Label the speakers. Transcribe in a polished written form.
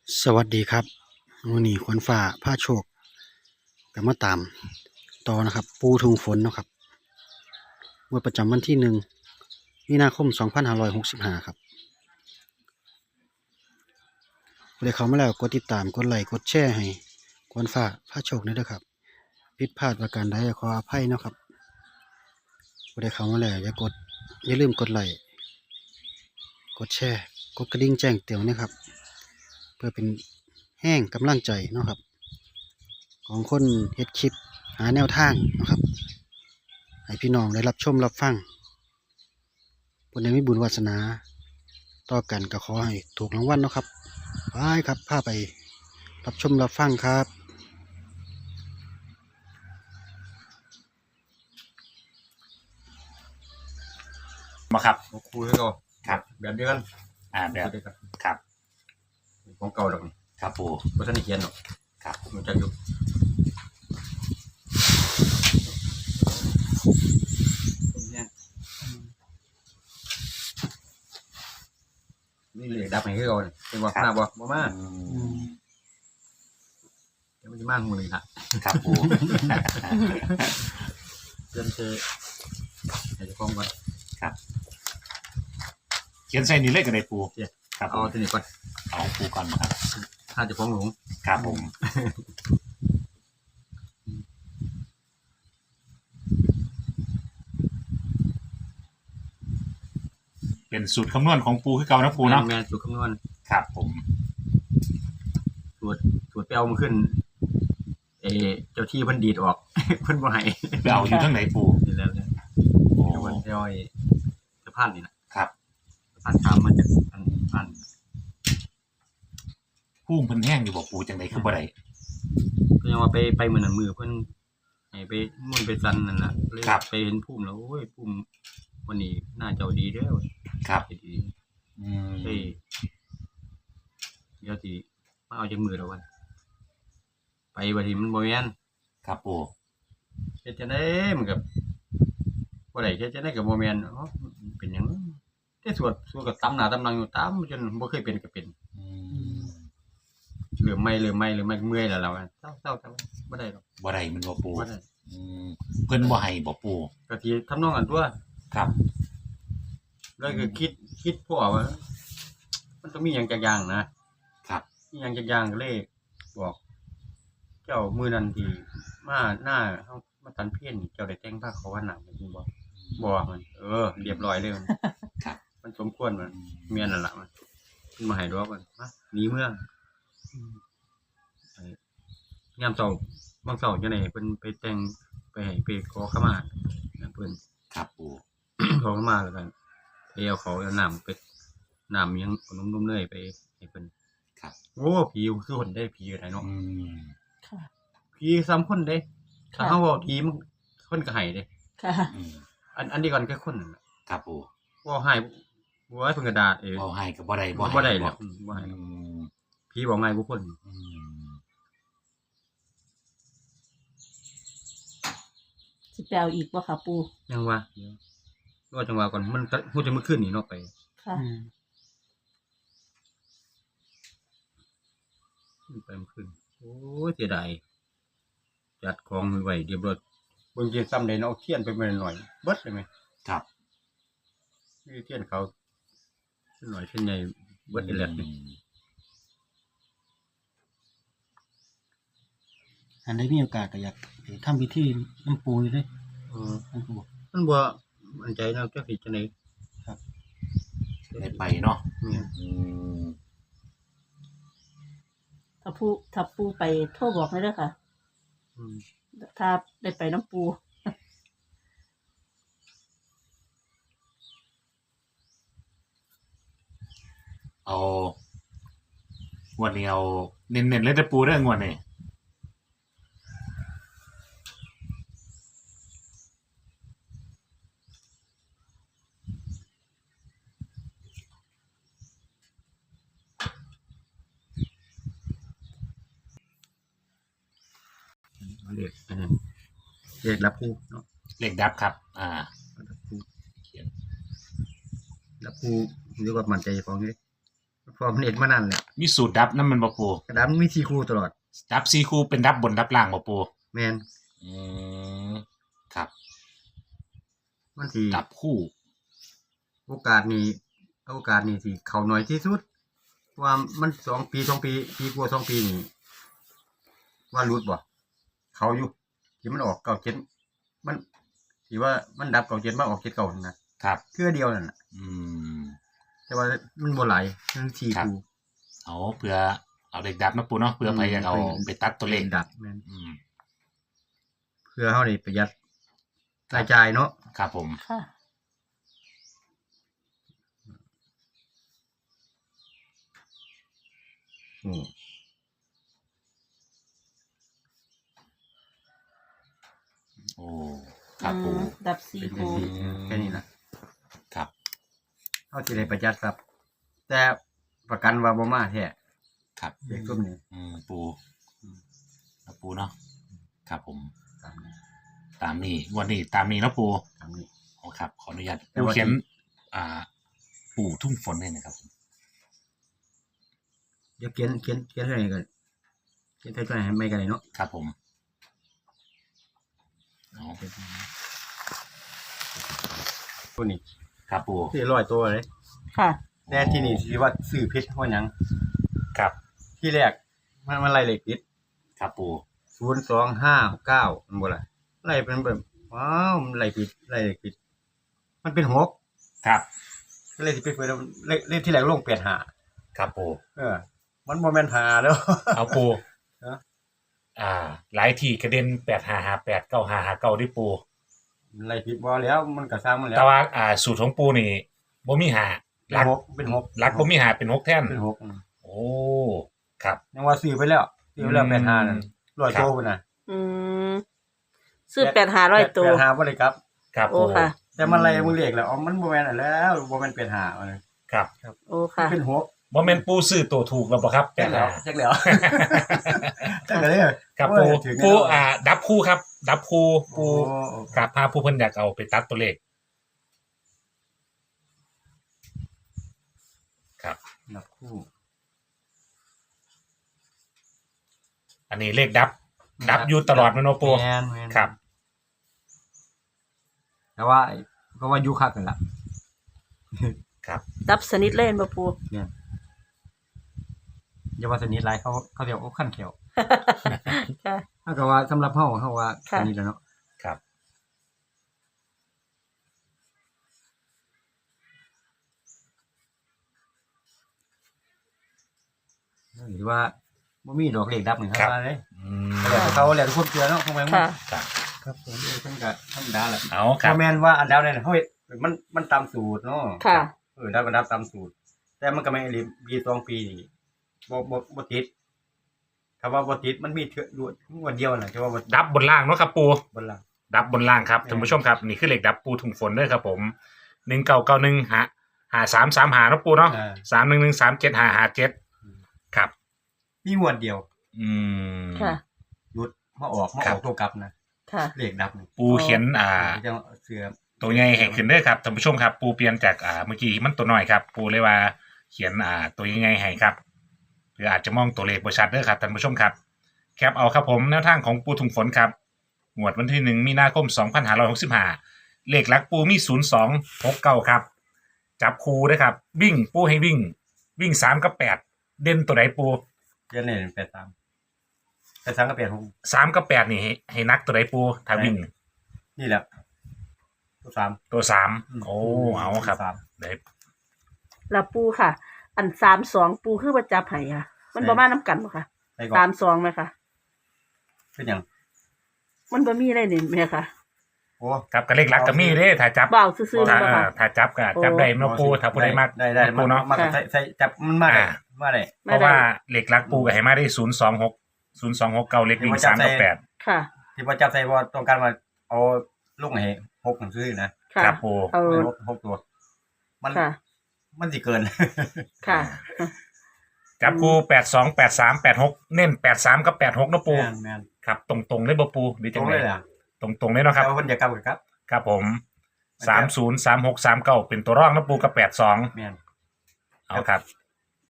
Speaker 1: สวัสดีครับวันนี้ขวัญฟ้าพาโชคก็มาตามต่อนะครับปูทุ่งฝนเนาะครับงวดประจำวันที่1 มีนาคม 2565ครับผู้ใดเข้ามาแล้วกดติดตามกดไลค์กดแชร์ให้ขวัญฟ้าพาโชคด้วยครับผิดพลาดประการใดขออภัยเนาะครับผู้ใดเข้ามาแล้วอย่าลืมกดไลค์กดแชร์กดกระดิ่งแจ้งเตือนนะครับเพื่อเป็นแห้งกำลังใจเนาะครับของคนเฮ็ดคลิปหาแนวทางนะครับให้พี่น้องได้รับชมรับฟังผู้ใดมีบุญวาสนาต่อกันก็ขอให้ถูกรางวัลเนาะครับไปครับพาไปรับชมรับฟังครับ
Speaker 2: มาครับ
Speaker 3: คุยให้เรา
Speaker 2: ครับ
Speaker 3: แบบเดียวกัน
Speaker 2: แบบ
Speaker 3: เดียวกัน
Speaker 2: ครับ
Speaker 3: ของเก่าดอกนี่
Speaker 2: ครับปู
Speaker 3: เพราะท่านได้เขียนหรอก
Speaker 2: ครับ
Speaker 3: มันจะอยู่นี่เลยดับให้เราเนี่ยเป็นว่าหน้าบ่มาเดี๋ยวมันจะมาหูเลยค่ะ
Speaker 2: ครับปู
Speaker 3: เดินเจอให้จะฟ้องก่อน
Speaker 2: ครับเขียนใส่นี่เลยกันได้ปู
Speaker 3: ครับเอาตัวนี้ก่อน
Speaker 2: เอาปูก่อนมาครับ
Speaker 3: ถ้าจะฟ้องหลง
Speaker 2: ครับผมเป็นสูตรคำนวณของปูคือเก่านะปูเนาะ
Speaker 3: แม่สูตรคำนวณ
Speaker 2: ครับผม
Speaker 3: สูตรไปเอามาขึ้นเจ้าที่เพิ่นดีดออกเพิ่นบ่ให้
Speaker 2: ไปเอาอยู่ทั้งไหนปู
Speaker 3: นี่แล้วเนี่ยโอ้วันเดียวสะพานนี่นะครับสะพานตามมาจากอัน
Speaker 2: พุ่งเพิ่นแห้งอยู่บอกปูจังไดคือบ่ได้
Speaker 3: ก็ยังว่าไปมื้อนั้นมื้อเพิ่นให้ไปมุ่นไปซันนั่นล่ะเลยไปเห็นภูมิแล้วโอ้ยภูมิวันนี้น่าเจ้าดีเด้อ
Speaker 2: ครับ
Speaker 3: ดีเดี๋ยวสิมาเอาจากมือแล้ววันไปบัดนี้มันบ่แม่น
Speaker 2: ครับปู
Speaker 3: เฮ็ดจังได๋มันก็บ่ได้เฮ็ดจังได๋ก็บ่แม่นอ๋อเป็นหยังแต่สวดก็ตำหน้าตำหลังอยู่ตำจนบ่เคยเป็นก็เป็นเริ่มใหม่เมื่อยแล้วเศร้าบ่ได้หรอก
Speaker 2: บ่ได้มันบ่ปู
Speaker 3: บ่ได้
Speaker 2: เพิ่นบ่ให้บ่ปู
Speaker 3: ก็สิทำนองอันตัว
Speaker 2: ครับ
Speaker 3: แล้วก็คิดพวกว่ามันต้องมีหยังจักอย่างนะครับมีหยังจักอย่างก็เลยบอกเจ้ามื้อนั้นที่มาหน้าเฮามาตันเพี้ยนเจ้าได้แต่งผ้าขาวหนังจริงบ่มันเรียบร้อยเลย
Speaker 2: ครับ
Speaker 3: มันสมควรมันเมียนนั่นล่ะมันมาให้ดอกมันมาหนีเมืองยามเช้าบางเช้าจังได๋เพิ่นไปแต่งไปให้ไปขอขมาเพิ่น
Speaker 2: ครับปู
Speaker 3: ขอขมาแล้วกันไปเอาเขาเอาน้ำไปน้ำยังนุ่มๆเลยไปให้เพิ่น
Speaker 2: ครับ
Speaker 3: โอ้ผีคือคนได้ผีอะไรเนาะ
Speaker 4: ค่ะ
Speaker 3: ผีซ้ำคนเด้ถ้าเฮาเว้าผีมันคนก็ให้เด้
Speaker 4: ค่ะ
Speaker 3: อันนี้ก่อนแค่คนนั่นน่ะ
Speaker 2: ครับปู
Speaker 3: เว้าให้บ่ให้เพิ่นก็ด่า
Speaker 2: เว้าให้ก็บ่ได้
Speaker 3: บ่ได้แล้วบ่ให้ผีบอกง่ายกว่าคน
Speaker 4: สิไปเอาอีกบ่ค่ะปู่
Speaker 3: ยังว่าเดี๋ยวรอจังหวะก่อนมันฮู้จะมื้อคืนนี่เนาะไป
Speaker 4: ค่ะ
Speaker 3: ไปมื้อคืนโอ้ยเสียดายจัดของไว้เรียบร้อยเบิ่งเทียนซ้ำได้เนาะเอาเทียนไปหน่อยเบิดได้มั้ย
Speaker 2: ครับ
Speaker 3: มีเทียนเขาหน่อยเทียนใหญ่เบิดอีแลดนี่
Speaker 1: อันใดมีโอกาสก็อยากทำพิธีน้ำปูอยู่เด้น้ำปู
Speaker 3: มันบ่มั่นใจเนาะจักสิจังได๋
Speaker 1: ครับ
Speaker 2: ได้ไปเนาะ
Speaker 4: ถ้าปู่ไปโทรบอกให้เด้อค่ะถ้าได้ไปน้ำปู
Speaker 2: เอางวดนี้เอาเน้นๆเลยแต่ปูเด้องวดนี้
Speaker 3: เลขรับผู้เนาะ
Speaker 2: เลขดับครับ
Speaker 3: รับผู้เขียนรับผู้เรียกว่ามั่นใจของนี่พอมันเห็นมานั่นแหละ
Speaker 2: มีสูตรดับนั่นมันบ่ปู
Speaker 3: กระดานมี4คู่ตลอด
Speaker 2: ดับ4คู่เป็นดับบนดับล่างบ่ปู
Speaker 3: แม่น
Speaker 2: อืมครับ
Speaker 3: มันสิ
Speaker 2: ดับคู่
Speaker 3: โอกาสนี้สิเข้าน้อยที่สุดว่ามัน2 ปีปีกว่า2 ปีนี่ว่ารุดบ่เขาอยู่ที่มันออก97มันที่ว่ามันดับ97มาออก79นั่นนะครับ เทื่อเดียวนั่นน่ะ
Speaker 2: อืม
Speaker 3: แต่ว่ามันบ่หลายมัน4
Speaker 2: ครับ
Speaker 3: คู่
Speaker 2: เอาเพื่อเอาเด็กดับนะปูเนาะเพื่อไปอยากเอาไปตัดตัวเลข
Speaker 3: ดับแม่น
Speaker 2: อืม
Speaker 3: เพื่อเฮานี่ประหยัดรายจ่ายเนาะ
Speaker 2: ครับผม
Speaker 4: ค่ะ
Speaker 3: อืม
Speaker 2: โอ้ครับปู
Speaker 4: ดับซี
Speaker 3: เป็น
Speaker 4: คู
Speaker 3: จังซี่แค่นี้นะครับ เฮาสิได้ประหยัดครับ แต่ประกันว่าบ่มาแท้
Speaker 2: ครับ
Speaker 3: เด็กซุ่มนี้
Speaker 2: ปูครับปูเนาะครับผม
Speaker 3: ตามนี้
Speaker 2: ตามนี้งวันนี้ตามนี้เนาะปู
Speaker 3: ตามนี้
Speaker 2: โอ้ครับ ขออนุญาต
Speaker 3: แต่
Speaker 2: ปู
Speaker 3: ว่า
Speaker 2: เขียนปู่ทุ่งฝนเลยนะครับผม
Speaker 3: เดี๋ยวเขียนเท่าไหร่กันเขียนเท่าไหร่ให้ไม่กันเลยเนาะ
Speaker 2: ครับผมเอา
Speaker 3: ตัวนี้
Speaker 2: ครับปู
Speaker 3: ที่100ตัวเลย
Speaker 4: ค่ะ
Speaker 3: แต่ที่นี่สิว่าซื้อผิดเพราะหยัง
Speaker 2: ครับ
Speaker 3: ที่แรกมันไล่เลขผิด
Speaker 2: ครับปู
Speaker 3: 0259มันบ่ล่ะไล่เป็นแบบว้าวมันไล่ผิดไล่เลขผิดมันเป็น6
Speaker 2: ครับ
Speaker 3: ก็เลยสิไปเปิดแล้วเลขที่แรกลง85
Speaker 2: ครับปู
Speaker 3: มันบ่แม่น5แล้ว
Speaker 2: เอาปู
Speaker 3: ฮะ
Speaker 2: หลายที่กระเด็น8558 9559ด้วยปู
Speaker 3: มันไล่ผิดบ่แล้วมันก็สร้างมันแล้ว
Speaker 2: แต่ว่าสูตรของปูนี่บ่มีหาหลัก
Speaker 3: เป็นหก
Speaker 2: หลักบ่มีหาเป็น6แท่น
Speaker 3: เป็นหก
Speaker 2: โอ้ครับ
Speaker 3: ยังว่าซื้อไปแล้ว85นั่น100
Speaker 2: ครับ
Speaker 3: โตพุ่นน่ะ
Speaker 4: อืมซื้อ8,500ตัว
Speaker 3: 85บ่ได้กลับ
Speaker 2: ครับ
Speaker 4: โอ้
Speaker 2: ปู
Speaker 4: ค่ะ
Speaker 3: แต่มันไล่มึงเลขแล้วอ๋อมันบ่แม่นอันแล้วบ่แม่น85อันนั้น
Speaker 2: ครับ
Speaker 4: โอ้ค่ะ
Speaker 3: เป็นหก
Speaker 2: บ่แม่นปูซื้อตัวถูกแล้วบ่ครับ
Speaker 3: จักแล้ว
Speaker 2: 85
Speaker 3: จักแล้วจักเลย
Speaker 2: ครับ
Speaker 3: โอ้
Speaker 2: ปู
Speaker 3: ยถึงแล้ว
Speaker 2: ปูดับคู่ครับ ดับคู่ปู
Speaker 3: โอ้
Speaker 2: กับพาผู้เพิ่นอยากเอาไปตัดตัวเลขครับ
Speaker 3: นับคู่
Speaker 2: อันนี้เลขดับ ดับอยู่ตลอดแม่นบ่ปู
Speaker 3: แม่น
Speaker 2: ครับ
Speaker 3: แต่ว่าเพราะว่าอยู่คักกันล่ะ
Speaker 2: ครับ
Speaker 4: ดับสนิทเล่นบ่ปู
Speaker 3: อย่าว่าสนิทหลายเขาเรียกว่าขั้นเขียว
Speaker 4: ค่ะ
Speaker 3: ถ้าก็ว่าสำหรับเฮาว่า
Speaker 4: ค่ะ
Speaker 3: สนิทแล้วเนาะ
Speaker 2: ครับ
Speaker 3: หรือว่าบ่มีดอกเลขดับนี่ค
Speaker 2: ครั
Speaker 3: รับบ ว่าเลย
Speaker 2: อืม
Speaker 3: แล้วแต่เขาแล้วทุกคนเชื่อเนาะของแม่น
Speaker 4: ค่ะ
Speaker 2: ครับ
Speaker 3: ครับผมเพิ่นก็ธรรมดาแหละ
Speaker 2: เอาครับ
Speaker 3: บ่แม่นว่าอันดาวเนี่ยเฮ้ยมันตามสูตรเนาะ
Speaker 4: ค่ะ
Speaker 3: ดับก็ดับตามสูตร แต่มันก็ไม่รีบปี2ปีนี่บ่ติดคำว่าบ่ติดมันมีเทื่อวันเดียวน่ะจะว่าบ่
Speaker 2: ดับบนล่างเนาะครับปู
Speaker 3: บนหลัง
Speaker 2: ดับบนล่างครับท่านผู้ชมครับนี่คือเลขดับปูถุงฝนเด้อครับผม1991หา335เนาะปูเนาะ311375557ครับ
Speaker 3: มีงวดเดียว
Speaker 2: อืม
Speaker 4: ค่ะ
Speaker 3: หยุดมาออก
Speaker 2: ครับ
Speaker 3: ตัวกลับนะ
Speaker 4: ค่ะ
Speaker 3: เลขดับนี่
Speaker 2: ปูเขียน
Speaker 3: จะเสือ
Speaker 2: ตัวใหญ่ให้ขึ้นเด้อครับท่านผู้ชมครับ ปูเปลี่ยนจากเมื่อกี้มันตัวน้อยครับ ปูเลยว่าเขียนตัวใหญ่ให้ครับหรืออาจจะมองตัวเลขบ่ชัดเด้อครับท่านผู้ชมครับ แคปเอาครับผมแนวทางของปูถุงฝนครับงวดวันที่1มีนาคม2565เลขหลักปูมี0269ครับ จับคูด้วยครับวิ่งปูให้วิ่ง3กับ8เด่นตัวไหนปู
Speaker 3: เดือนนี้83กับ86
Speaker 2: 3กับ8นี่ให้นักตัวไหนปูถ้าวิ่ง
Speaker 3: นี่แหละตัว3
Speaker 2: ตัว3โอ้เอาครับได้
Speaker 4: แล้วปูค่ะ อัน32ปูคือว่าจับให้ค่ะ มันบ่มานํกันบ่ค่ะ
Speaker 3: ใส่ก่อน
Speaker 4: 32ไหมคะ
Speaker 3: เป็นหยัง
Speaker 4: มันบ่มีอะไรนี่แม่ค่ะ
Speaker 3: โอ้
Speaker 2: ครับก็เลขหลักก็มีเด้ถ้าจับ
Speaker 4: เบาซื่อๆ
Speaker 2: ถ้า
Speaker 4: บ่ค่ะ
Speaker 2: ถ้าจับก็จับได้เนาะปูถ้าปูได้มาก
Speaker 3: ได้
Speaker 2: ปูเนาะ
Speaker 3: มาใส่จับมันมาได้มาได้
Speaker 2: เพราะว่าเหล็กลักปูกับให้มาได้026เก่าเล็กวิ่ง3กับ8
Speaker 4: ค่ะ
Speaker 3: ที่ว่าจับใส่ว่าต้องการมาเอาลูกให้6หนังสือนะ
Speaker 4: ค่ะ
Speaker 2: ครับปู
Speaker 4: เอา
Speaker 3: 6ตัว
Speaker 4: ค่ะ
Speaker 3: มันสิเกิน
Speaker 4: ค่ะ
Speaker 2: จับปู82 83 86เน้น83กับ86เนาะปู
Speaker 3: แม่น
Speaker 2: ครับตรงๆเลยบ่ปูหรือ
Speaker 3: ต
Speaker 2: จั
Speaker 3: รง ง
Speaker 2: ได๋
Speaker 3: เลยล่ะ
Speaker 2: ตรงๆเลยเนาะครับ
Speaker 3: แล้วเพิ่นจะกลับกับ
Speaker 2: ครับผม30 36 39เป็นตัวรองเนาะปูกับ82
Speaker 3: แม่น
Speaker 2: เอาครับ